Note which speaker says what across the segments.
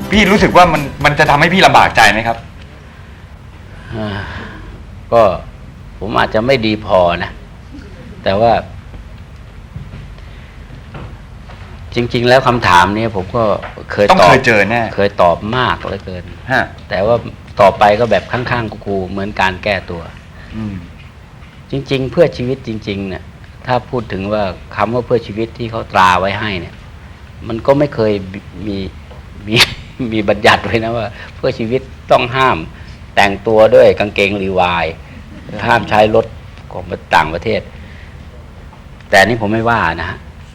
Speaker 1: พี่รู้สึกว่ามันจะทำให้พี่ลำบากใจไหมครับ
Speaker 2: ก็ผมอาจจะไม่ดีพอนะแต่ว่าจริงๆแล้วคำถามนี้ผมก็เคย
Speaker 1: ต้องเคยเจอแน่
Speaker 2: เคยตอบมากเหลือเกินแต่ว่าต่อไปก็แบบข้างๆกูเหมือนการแก้ตัวจริงๆเพื่อชีวิตจริงๆเนี่ยถ้าพูดถึงว่าคำว่าเพื่อชีวิตที่เขาตราไว้ให้เนี่ยมันก็ไม่เคยมีบัญญัติไว้นะว่าเพื่อชีวิตต้องห้ามแต่งตัวด้วยกางเกงรีวายห้ามใช้รถของต่างประเทศแต่นี่ผมไม่ว่านะฮะ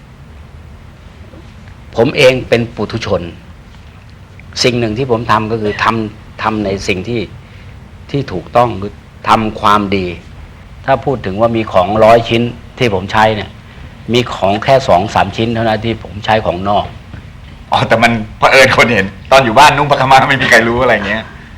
Speaker 2: ผมเองเป็นปุถุชนสิ่งหนึ่งที่ผมทำก็คือทำในสิ่งที่ถูกต้องคือทำความดีถ้าพูดถึงว่ามีของ100 ชิ้นที่ผมใช้เนี่ยมีของแค่2-3 ชิ้นเท่านั้นที่ผมใช้ของนอก
Speaker 1: แต่มันเผอิญคนเห็นตอนอยู่บ้านนุ่งผ้าขาวม้าไม่มีใครรู้อะไรเงี้ย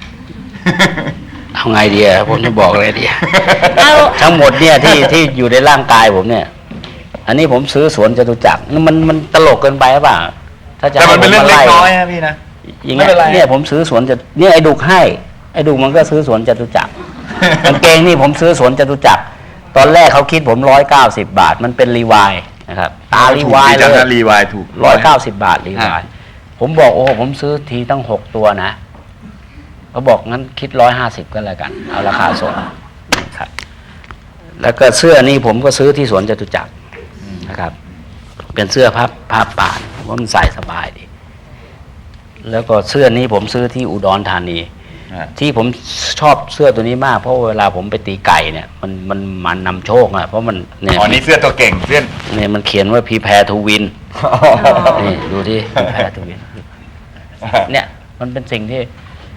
Speaker 2: เอาไงดีผมจะบอกอะไรดีทั้งหมดเนี่ยที่อยู่ในร่างกายผมเนี่ยอันนี้ผมซื้อสวนจตุจักรมันตลกเกินไปหรือเปล่าถ้าจะ
Speaker 1: แต่มันเป็นเรื่องเล็กน้อยนะพี่นะ
Speaker 2: อย่างเงี้ยเนี่ยผมซื้อสวนเนี่ยไอ้ดุกให้ไอ้ดุกมันก็ซื้อสวนจตุจักรกางเกงนี่ผมซื้อสวนจตุจักรตอนแรกเขาคิดผม190 บาทมันเป็นรีวายนะครับตารีวายเลย
Speaker 1: รีวายถูก
Speaker 2: 190 บาทรีวายผมบอกโอ้ผมซื้อทีตั้ง6 ตัวนะเขาบอกงั้นคิด150ก็แล้วกันเอาราคาส่งครับแล้วก็เสื้อนี่ผมก็ซื้อที่สวนจตุจักรนะครับเป็นเสื้อผ้าป่านว่ามันใส่สบายดีแล้วก็เสื้อนี้ผมซื้อที่อุดรธานีที่ผมชอบเสื้อตัวนี้มากเพราะเวลาผมไปตีไก่เนี่ยมันนำโชคเพราะมัน
Speaker 1: เนี่ยนี่เสื้อตัวเก่งเสื้อ
Speaker 2: เนี่ยมันเขียนว่าพีแพรทูวินนี่ดูที่พีแพรทูวินเนี่ยมันเป็นสิ่งที่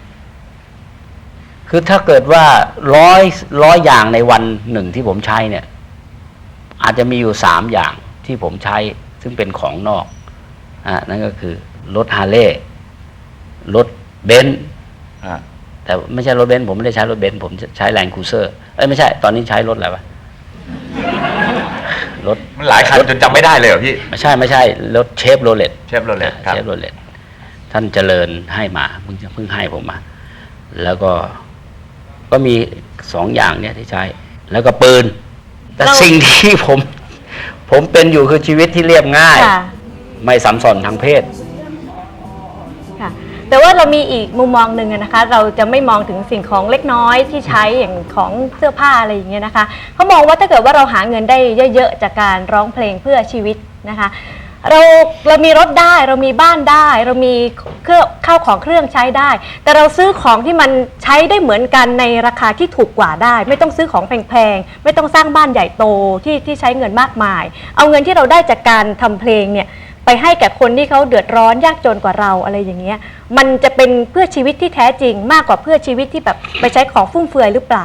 Speaker 2: คือถ้าเกิดว่าร้อยอย่างในวันหนึ่งที่ผมใช้เนี่ยอาจจะมีอยู่3 อย่างที่ผมใช้ซึ่งเป็นของนอกนั่นก็คือรถฮาร์เลย์รถเบนซ์แต่ไม่ใช่รถเบนซ์ผมไม่ได้ใช้รถเบนซ์ผมใช้แลนด์ครูเซอร์ไม่ใช่ตอนนี้ใช้รถอะไรวะรถ
Speaker 1: มันหลายคันจนจำไม่ได้เลยเหรอพี่
Speaker 2: ไม่ใช่รถเชฟโรเลตท่านเจริญให้มาเพิ่งให้ผมมาแล้วก็มี2 อย่างเนี่ยที่ใช้แล้วก็ปืนแต่สิ่งที่ผมเป็นอยู่คือชีวิตที่เรียบง่ายไม่สัมสอนทางเพศ
Speaker 3: ค่ะแต่ว่าเรามีอีกมุมมองหนึ่งนะคะเราจะไม่มองถึงสิ่งของเล็กน้อยที่ใช้อย่างของเสื้อผ้าอะไรอย่างเงี้ยนะคะเขามองว่าถ้าเกิดว่าเราหาเงินได้เยอะๆจากการร้องเพลงเพื่อชีวิตนะคะเรามีรถได้เรามีบ้านได้เรามีข้าวของเครื่องใช้ได้แต่เราซื้อของที่มันใช้ได้เหมือนกันในราคาที่ถูกกว่าได้ไม่ต้องซื้อของแพงๆไม่ต้องสร้างบ้านใหญ่โตที่ใช้เงินมากมายเอาเงินที่เราได้จากการทำเพลงเนี่ยไปให้แก่คนที่เขาเดือดร้อนยากจนกว่าเราอะไรอย่างเงี้ยมันจะเป็นเพื่อชีวิตที่แท้จริงมากกว่าเพื่อชีวิตที่แบบไปใช้ของฟุ่มเฟือยหรือเปล่า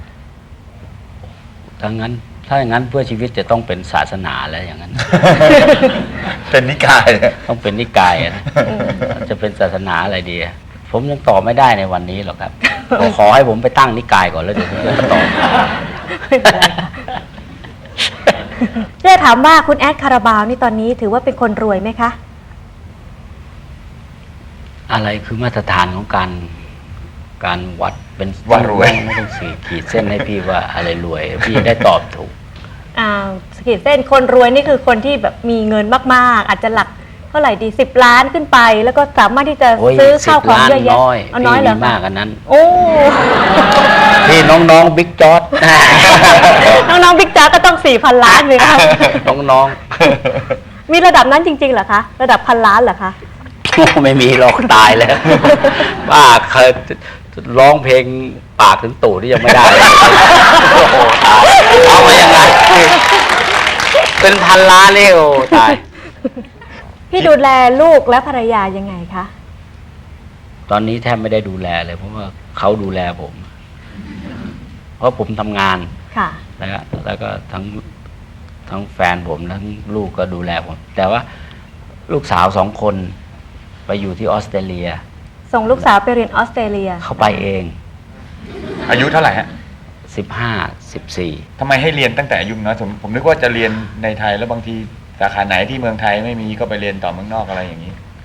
Speaker 2: ถ้าอย่างนั้นเพื่อชีวิตจะต้องเป็นศาสนาแล้วอย่างนั้น
Speaker 1: เป็นนิกาย
Speaker 2: ต้องเป็นนิกายนะจะเป็นศาสนาอะไรดีผมยังตอบไม่ได้ในวันนี้หรอกครับขอให้ผมไปตั้งนิกายก่อนแล้วเดี๋ยวผมจะตอบ
Speaker 3: เรื่องถามว่าคุณแอดคาราบาวนี่ตอนนี้ถือว่าเป็นคนรวยไหมคะ
Speaker 2: อะไรคือมาตรฐานของการวัดเป็น
Speaker 1: ว่ารวย
Speaker 2: ไม่ต้องขีดเส้นให้พี่ว่าอะไรรวยพี่ได้ตอบถูก
Speaker 3: ขีดเส้นคนรวยนี่คือคนที่แบบมีเงินมากๆอาจจะหลักเท่าไหร่ดี10 ล้านขึ้นไปแล้วก็สามารถที่จะซื้อข้าวของเยอะแยะ
Speaker 2: น้อยเหรอมากอันนั้น
Speaker 3: โอ้
Speaker 2: พี่น้องบิ๊กจอร์ด
Speaker 3: น้องบิ๊กจอร์ดก็ต้อง4,000 ล้านเลยครับ
Speaker 2: น้อง
Speaker 3: มีระดับนั้นจริงๆเหรอคะระดับ1,000 ล้านเหรอคะ
Speaker 2: ไม่มีหรอกตายแล้วป้าเคยร้องเพลงปากถึงตู่ที่ยังไม่ได้โอ้โหตายเอามายังไงเป็น1,000 ล้านเลยโอ้ตาย
Speaker 3: พี่ดูแลลูกและภรรยายังไงคะ
Speaker 2: ตอนนี้แทบไม่ได้ดูแลเลยเพราะว่าเขาดูแลผมเพราะผมทำงาน
Speaker 3: ค่ะ
Speaker 2: แล้วก็ทั้งแฟนผมทั้งลูกก็ดูแลผมแต่ว่าลูกสาว2 คนไปอยู่ที่ออสเตรเลีย
Speaker 3: ส่งลูกสาวไปเรียนออสเตรเลีย
Speaker 2: เขาไปเอง
Speaker 1: อายุเท่าไหร่ฮะ
Speaker 2: 15-14
Speaker 1: ทำไมให้เรียนตั้งแต่อายุน้อยผมนึกว่าจะเรียนในไทยแล้วบางทีสาขาไหนที่เมืองไทยไม่มีก็ไปเรียนต่อเมืองนอกอะไรอย่างนี้
Speaker 2: ผ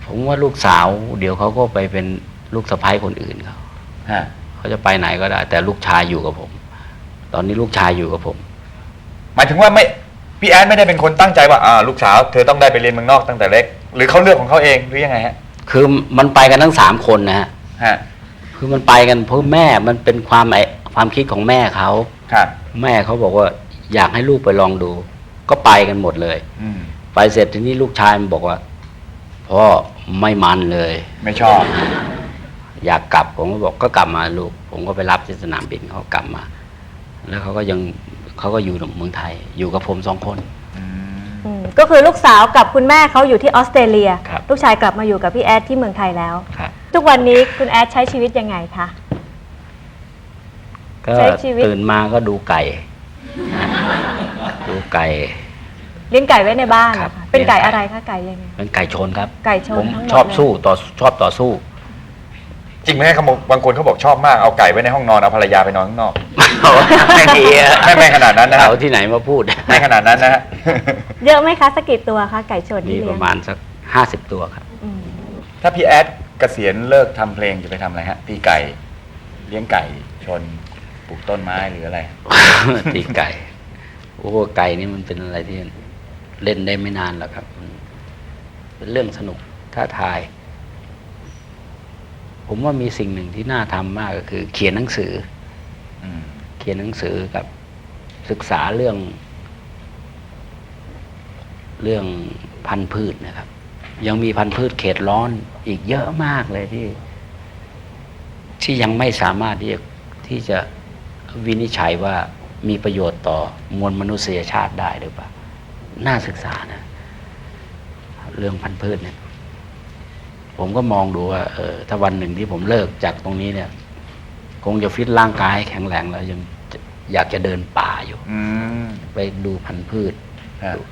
Speaker 2: ผมว่าลูกสาวเดี๋ยวเขาก็ไปเป็นลูกสะใภ้คนอื่นเขา
Speaker 1: ฮะ
Speaker 2: เขาจะไปไหนก็ได้ แต่ลูกชายอยู่กับผม ตอนนี้ลูกชายอยู่กับผม
Speaker 1: หมายถึงว่าไม่พี่แอดไม่ได้เป็นคนตั้งใจว่าลูกสาวเธอต้องได้ไปเรียนเมืองนอกตั้งแต่เล็ก หรือเขาเลือกของเขาเองหรือยังไงฮะ
Speaker 2: คือมันไปกันทั้ง3 คนนะฮะ
Speaker 1: ฮะ
Speaker 2: คือมันไปกันเพราะแม่มันเป็นความคิดของแม่เขา
Speaker 1: ครับ
Speaker 2: แม่เขาบอกว่าอยากให้ลูกไปลองดู ก็ไปกันหมดเลย
Speaker 1: อืม
Speaker 2: ไปเสร็จทีนี้ลูกชายมันบอกว่าพ่อไม่มันเลย
Speaker 1: ไม่ชอบ
Speaker 2: อยากกลับผมก็บอกก็กลับมาลูก ผมก็ไปรับที่สนามบินเขากลับมา แล้วเขาก็อยู่เมืองไทย อยู่กับผม2 คน
Speaker 3: ก็คือลูกสาวกับคุณแม่เขาอยู่ที่ออสเตรเลีย
Speaker 2: ครับ
Speaker 3: ลูกชายกลับมาอยู่กับพี่แอดที่เมืองไทยแล้ว
Speaker 2: ครับ
Speaker 3: ทุกวันนี้คุณแอดใช้ชีวิตยังไงคะ
Speaker 2: ก็
Speaker 3: ใช้ชีวิต
Speaker 2: ตื่นมาก็ดูไก่ ดูไก่
Speaker 3: เลี้ยงไก่ไว้ในบ้าน
Speaker 2: ครับ
Speaker 3: เหรอคะเป็นไก่
Speaker 2: เลี้ยงไก่
Speaker 3: อะไรคะไก่ยังไง
Speaker 2: เป็นไก่ชนครับ
Speaker 3: ไก่ชน
Speaker 2: ผม
Speaker 3: ทั้งหมด
Speaker 2: ชอบ
Speaker 3: เลย
Speaker 2: สู้ชอบต่อสู้
Speaker 1: จริงไหมครับบางคนเขาบอกชอบมากเอาไก่ไว้ในห้องนอนเอาภรรยาไปนอนข้างนอก
Speaker 2: ไม่ดีอะ
Speaker 1: ไม่ขนาดนั้นนะครั
Speaker 2: เอา
Speaker 1: บ
Speaker 2: ที่ไหนมาพูด
Speaker 1: ไม่ขนาดนั้นนะฮะ
Speaker 3: เยอะไหมคะสักกี่ตัวคะไก่ชน
Speaker 2: มี
Speaker 3: ที่
Speaker 2: ป
Speaker 3: เลี้ยง
Speaker 2: ระมาณสัก50 ตัวครับ
Speaker 3: อืม
Speaker 1: ถ้าพี่แอดเกษียณเลิกทำเพลงจะไปทำอะไรฮะตีไก่ เลี้ยงไก่ชนปลูกต้นไม้หรืออะไร
Speaker 2: ตีไก่ โอ้ไก่นี่มันเป็นอะไรที่เล่นได้ไม่นานแล้วครับมันเป็นเรื่องสนุกท้าทาย ผมว่ามีสิ่งหนึ่งที่น่าทำมากก็คือ เขียนหนังสือ
Speaker 1: อืม
Speaker 2: เขียนหนังสือกับศึกษาเรื่องพันธุ์พืชนะครับ ยังมีพันธุ์พืชเขตร้อนอีกเยอะมากเลยที่ยังไม่สามารถที่จะวินิจฉัยว่ามีประโยชน์ต่อมวลมนุษยชาติได้หรือเปล่าน่าศึกษานะเรื่องพันธุ์พืชเนี่ย ผมก็มองดูว่าถ้าวันหนึ่งที่ผมเลิกจากตรงนี้เนี่ย คงจะฟิตร่างกายให้แข็งแรงแล้วยังอยากจะเดินป่าอยู่
Speaker 1: อืม
Speaker 2: ไปดูพันธุ์พืช
Speaker 1: ฮะ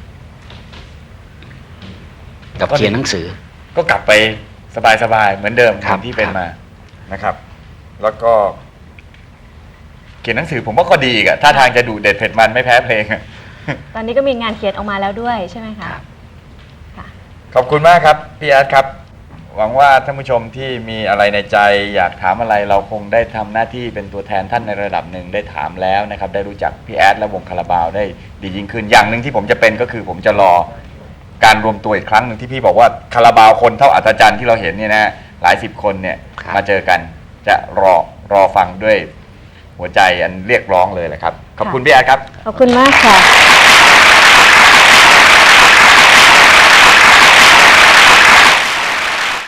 Speaker 2: กับเขียนหนังสือ
Speaker 1: ก็กลับไปสบายๆเหมือนเดิม
Speaker 2: ครับ
Speaker 1: ที่เป็น
Speaker 2: ครับ
Speaker 1: มานะครับ แล้วก็ เขียนหนังสือผมว่าก็ดีอะถ้าทางจะดูเด็ดเผ็ดมันไม่แพ้เพลงอะ
Speaker 3: ตอนนี้ก็มีงานเขียนออกมาแล้วด้วยใช่ไหมคะ
Speaker 2: ครับ
Speaker 3: ค่ะ
Speaker 1: ขอบคุณมากครับพี่แอดครับ หวังว่าท่านผู้ชมที่มีอะไรในใจ อยากถามอะไรเราคงได้ทำหน้าที่เป็นตัวแทนท่านในระดับหนึ่งได้ถามแล้วนะครับ ได้รู้จักพี่แอดและวงคาราบาวได้ดียิ่งขึ้นอย่างหนึ่งที่ผมจะเป็นก็คือ ผมจะรอการรวมตัวอีกครั้งหนึ่งที่พี่บอกว่าคาราบาวคนเท่าอัศจรรย์ที่เราเห็นเนี่ยนะหลาย10 คนเนี่ย
Speaker 2: ครับ
Speaker 1: มาเจอกันจะรอฟังด้วยหัวใจอันเรียกร้องเลยแหละครับขอบคุณพี่แอดครับ
Speaker 3: ขอบคุณมากค่ะ